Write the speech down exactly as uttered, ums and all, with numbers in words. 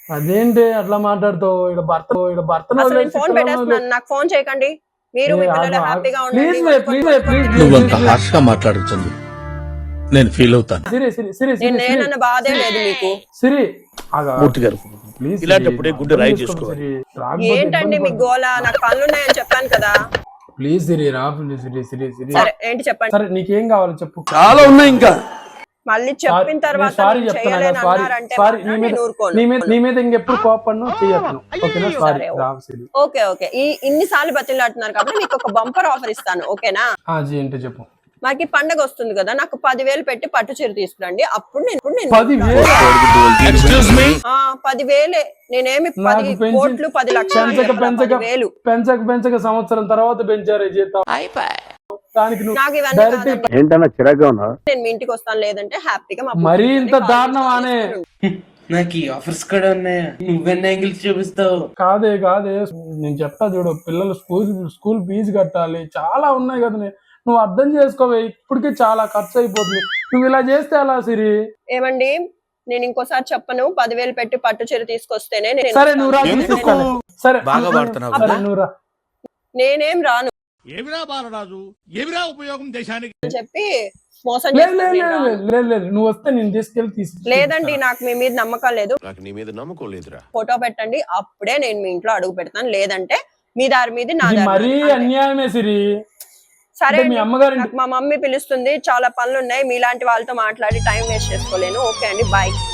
అదేంటి అట్లా మాట్లాడుతావు? ఇక్కడ భర్త ఇక్కడ భర్తను అసలు నేను వదిలేసి ఫోన్ పిల్లల్ని పెట్టేస్తున్నాను, వదిలేసి- నాకు ఫోన్ చేయకండి. మీరు ఏ, మీ ఆగు, పిల్లలు ఆగు. హ్యాపీగా ప్లీజ్ ఉండండి. వే, ప్లీజ్ వే, ప్లీజ్ వే, నువ్వంత ప్లీజ్ వే. హార్ష్ గా మాట్లాడుతుంది నేను ఫీల్ అవుతాను. సిరి సిరి సిరి సిరి నేను సిరి నేనన్న బాధే లేదు మీకు. సిరి ఆగు, ఆగు. మూర్తి గారు ప్లీజ్ ఇలాంటప్పుడే సిరి, గుండె అర్థం రాయి చేసుకో చేసుకోవాలి. సిరి. రాకపోతే ఏంటండి ఇబ్బంది మీ పడదు. గోల? నాకు పనులున్నాయని చెప్పాను కదా. ప్లీజ్ సిరి రా, ప్లీజ్ సిరి సిరి సిరి. సరే ఏంటి చెప్పండి. సరే నీకేం కావాలో చెప్పు. చాలా ఉన్నాయి ఇంకా. మళ్ళీ చెప్పిన తర్వాత సారీ నేను చెప్తున్నా చేయలేను సారీ అన్నారంటే సారీ మాత్రం నీ మీద నేను ఊరుకోను. నీ మీద నీ మీద ఇంకెప్పుడు కోపను చేయను. ఓకేనా? సారీ సరే, రా సిరి. ఓకే ఓకే ఈ ఇన్నిసార్లు బతిలాడుతున్నారు కాబట్టి మీకు ఒక బంపర్ ఆఫర్ ఇస్తాను, ఓకేనా? ఆ జీ ఏంటో చెప్పు. మాకి పండగ వస్తుంది కదా, నాకు పదివేలు పెట్టి పట్టు చీర తీసుకురండి. అప్పుడు నేను ఇప్పుడు నేను పదివేలు ఆ, పదివేలే. నేనేమి పది నాకు పెంచి కోట్లు పది లక్షలు పెంచక చెప్పలా, పెంచక పదివేలు. పెంచక పెంచక సంవత్సరం తర్వాత పెంచారే జీతం. దానికి నువ్వు నాకు ఇవన్నీ డైరెక్ట్ కాదండి. ఏంటన్నా చిరాగ్గా ఉన్నా? నేను మీ ఇంటికి వస్తాను, లేదంటే హ్యాపీగా మా మరీ పుట్టింటికి ఇంత కాల్ దారుణం చేసి అనే తీసుకుని నాకు ఈ ఆఫర్స్ కూడా ఉన్నాయా? నువ్వెన్ని యాంగిల్స్ చూపిస్తావు? కాదే కాదే నేను చెప్తా చూడు, పిల్లలు స్కూల్ స్కూల్ ఫీజు కట్టాలి, చాలా ఉన్నాయి కదా. నే- నువ్వు అర్థం చేసుకోవే, ఇప్పటికే చాలా ఖర్చు అయిపోతుంది. నువ్వు ఇలా చేస్తే ఎలా సిరి? ఏమండి, నేను ఇంకోసారి చెప్పను. పదివేలు పెట్టి పట్టు చీర తీసుకొస్తేనే నేను సరే నువ్వు రా, వస్తాను. తీసుకొస్తాను. సరే బాగా వాడుతున్నావు సరే కదా? నువ్వు రా. నేనేం రాను ఏమిరా బాలరాజు, ఏమిరా ఉపయోగం దేశానికి? అని చెప్పి మోసం లేదు చేస్తాను, లేదు నేను లేదు రాను. లేదు లేదు నువ్వు వస్తే నేను తీసుకెళ్ళి తీసుకు లేదండి, నాకు మీ మీద నమ్మకం లేదు. నాకు నీ మీద నమ్మకం లేదురా. ఫోటో పెట్టండి, అప్పుడే నేను మీ ఇంట్లో అడుగు పెడతాను. లేదంటే మీ దారి మీద నా ఇది దారి మరీ మీది. అంతే. అన్యాయమే సిరి. సరే అంటే మీ అండి, అమ్మగారి నాకు మా మమ్మీ పిలుస్తుంది, చాలా పనులు ఉన్నాయి. మీలాంటి వాళ్ళతో మాట్లాడి టైం వేస్ట్ చేసుకోలేను. ఓకే అండి, బాయ్.